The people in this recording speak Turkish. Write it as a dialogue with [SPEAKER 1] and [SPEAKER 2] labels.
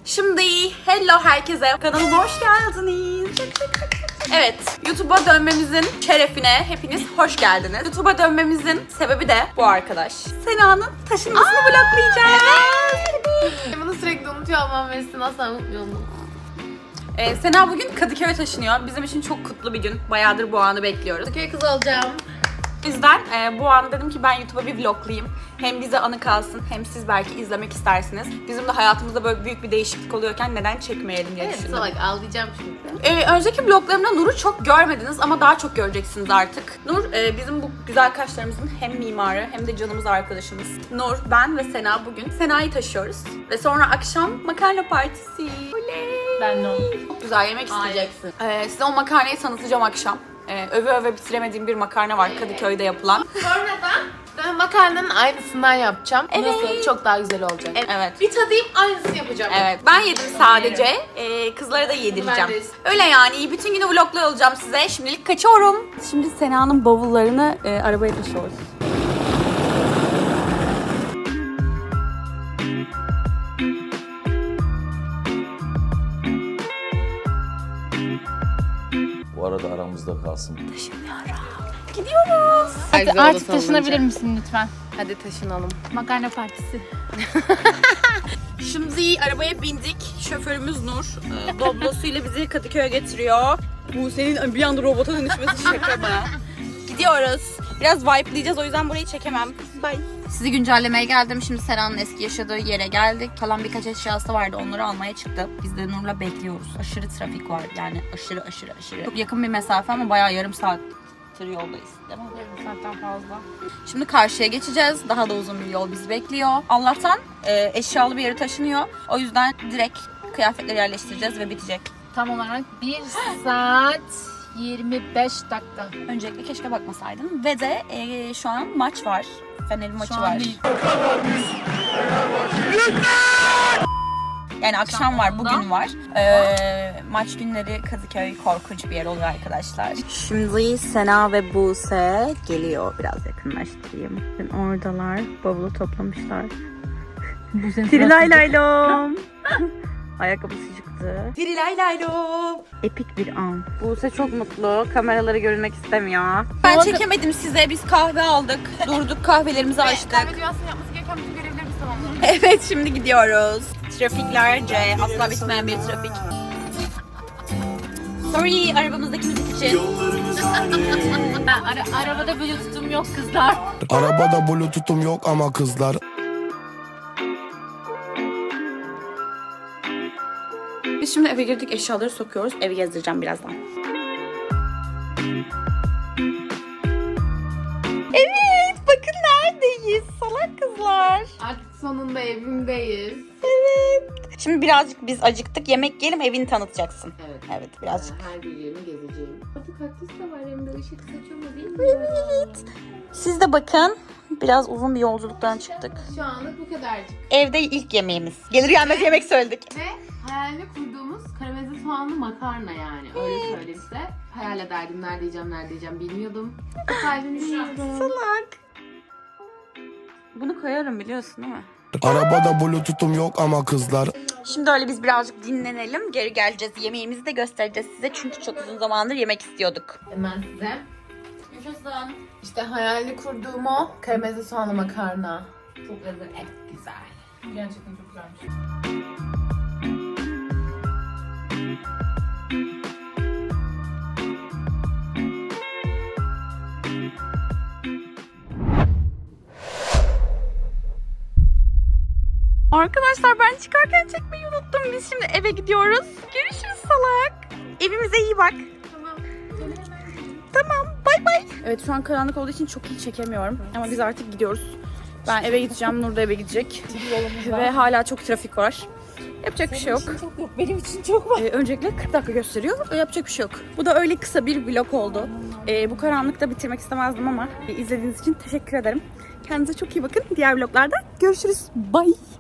[SPEAKER 1] Şimdi hello herkese, kanalıma hoş geldiniz. Evet, YouTube'a dönmemizin şerefine hepiniz hoş geldiniz. YouTube'a dönmemizin sebebi de bu arkadaş. Sena'nın taşınmasını vloglayacağız.
[SPEAKER 2] Bunu sürekli unutuyor olmam ve sizin asla unutmuyorum.
[SPEAKER 1] Sena bugün Kadıköy'e taşınıyor. Bizim için çok kutlu bir gün. Bayağıdır bu anı bekliyoruz.
[SPEAKER 2] Kadıköy kızı olacağım.
[SPEAKER 1] O yüzden bu an dedim ki ben YouTube'a bir vloglayayım. Hem bize anı kalsın hem siz belki izlemek istersiniz. Bizim de hayatımızda böyle büyük bir değişiklik oluyorken neden çekmeyelim diye
[SPEAKER 2] Evet
[SPEAKER 1] düşündüm.
[SPEAKER 2] salak ağlayacağım şimdi.
[SPEAKER 1] Önceki vloglarımda Nur'u çok görmediniz ama daha çok göreceksiniz artık. Nur bizim bu güzel kaşlarımızın hem mimarı hem de canımız arkadaşımız. Nur, ben ve Sena bugün Sena'yı taşıyoruz. Ve sonra akşam makarna partisi. Oley!
[SPEAKER 2] Ben de onu.
[SPEAKER 1] Çok güzel yemek isteyeceksin. Size o makarnayı tanıtacağım akşam. Öve öve bitiremediğim bir makarna var Kadıköy'de yapılan.
[SPEAKER 2] Sonradan ben makarnanın aynısından yapacağım.
[SPEAKER 1] Evet.
[SPEAKER 2] Nasıl? Çok daha güzel olacak.
[SPEAKER 1] Evet.
[SPEAKER 2] Bir tadayım aynısını yapacağım.
[SPEAKER 1] Evet, ben yedim sadece. Kızlara da yedireceğim.
[SPEAKER 2] Ben de.
[SPEAKER 1] Öyle yani, bütün günü vlogla olacağım size. Şimdilik kaçıyorum. Şimdi Sena'nın bavullarını arabaya taşıyoruz.
[SPEAKER 3] Bu arada aramızda kalsın.
[SPEAKER 1] Gidiyoruz.
[SPEAKER 4] Artık taşınabilir misin lütfen?
[SPEAKER 2] Hadi taşınalım.
[SPEAKER 4] Makarna partisi.
[SPEAKER 1] Şimdi arabaya bindik. Şoförümüz Nur. Doblosuyla bizi Kadıköy'e getiriyor. Bu senin bir anda robota dönüşmesi şaka mı? Gidiyoruz. Biraz vibe'layacağız, o yüzden burayı çekemem. Bye. Sizi güncellemeye geldim. Şimdi Sera'nın eski yaşadığı yere geldik. Kalan birkaç eşyası vardı. Onları almaya çıktı. Biz de Nur'la bekliyoruz. Aşırı trafik var. Yani aşırı. Çok yakın bir mesafe ama bayağı yarım saattir yoldayız. Değil mi?
[SPEAKER 4] Yarım saatten fazla.
[SPEAKER 1] Şimdi karşıya geçeceğiz. Daha da uzun bir yol bizi bekliyor. Allah'tan eşyalı bir yere taşınıyor. O yüzden direkt kıyafetleri yerleştireceğiz ve bitecek.
[SPEAKER 4] Tam olarak 1 saat 25 dakika.
[SPEAKER 1] Öncelikle keşke bakmasaydım. Ve de şu an maç var. Fener'in maçı
[SPEAKER 4] Şu an
[SPEAKER 1] var.
[SPEAKER 4] değil.
[SPEAKER 1] Yani akşam var, bugün var. Maç günleri Kadıköy korkunç bir yer oluyor arkadaşlar. Şimdi Sena ve Buse geliyor. Biraz yakınlaştırayım. Oradalar. Bavulu toplamışlar. Tirilaylaylom. Ayakkabısı çıktı. Tirilaylaylom. Epik bir an. Buse çok mutlu. Kameraları görünmek istemiyor. Ben çekemedim size. Biz kahve aldık. Durduk, kahvelerimizi açtık.
[SPEAKER 2] Kahve dünyasının yapması gereken bütün görevlerimizi tamamladık.
[SPEAKER 1] Evet, şimdi gidiyoruz. Trafiklerce, asla bitmeyen bir trafik. Sorry, arabamızdaki müzik için.
[SPEAKER 4] Arabada bluetooth'um yok kızlar.
[SPEAKER 5] Arabada bluetooth'um yok ama kızlar.
[SPEAKER 1] Biz şimdi eve girdik, eşyaları sokuyoruz. Evi gezdireceğim birazdan. Evet, bakın neredeyiz salak kızlar.
[SPEAKER 2] Artık sonunda evimdeyiz.
[SPEAKER 1] Evet. Şimdi birazcık biz acıktık. Yemek yiyelim, evini tanıtacaksın.
[SPEAKER 2] Evet.
[SPEAKER 1] Evet, birazcık.
[SPEAKER 2] Her bir yerini gezeceğim. Artık kaktüs de var evimde. Işık saçıyor değil mi?
[SPEAKER 1] Evet. Siz de bakın. Biraz uzun bir yolculuktan çıktık.
[SPEAKER 2] Şu anlık bu kadarcık.
[SPEAKER 1] Evde ilk yemeğimiz. Gelir gelmez yemek söyledik.
[SPEAKER 2] Ve hayalini kurduğumuz karamelize soğanlı makarna yani. Öyle söyleyeyim size. Hayal ederdim. Nerede yiyeceğim bilmiyordum. Kalbimi yiyorum.
[SPEAKER 1] Salak. Bunu koyarım biliyorsun değil mi?
[SPEAKER 5] Arabada bluetooth'um yok ama kızlar.
[SPEAKER 1] Şimdi öyle biz birazcık dinlenelim. Geri geleceğiz. Yemeğimizi de göstereceğiz size. Çünkü çok uzun zamandır yemek istiyorduk.
[SPEAKER 2] Hemen size.
[SPEAKER 1] Yaşasın.
[SPEAKER 2] İşte hayalini kurduğum o karamelize soğanlı makarna.
[SPEAKER 1] Çok lezzetli.
[SPEAKER 2] Güzel.
[SPEAKER 4] Gerçekten çok güzelmiş.
[SPEAKER 1] Arkadaşlar ben çıkarken çekmeyi unuttum. Biz şimdi eve gidiyoruz. Görüşürüz salak. Evimize iyi bak. Tamam. Bay bay. Evet, şu an karanlık olduğu için çok iyi çekemiyorum. Ama biz artık gidiyoruz. Ben eve gideceğim. Nur da eve gidecek. Ve hala çok trafik var. Yapacak bir şey yok.
[SPEAKER 4] Benim için çok var.
[SPEAKER 1] Öncelikle 40 dakika gösteriyor. Yapacak bir şey yok. Bu da öyle kısa bir vlog oldu. Bu karanlıkta bitirmek istemezdim ama izlediğiniz için teşekkür ederim. Kendinize çok iyi bakın. Diğer vloglarda görüşürüz. Bye.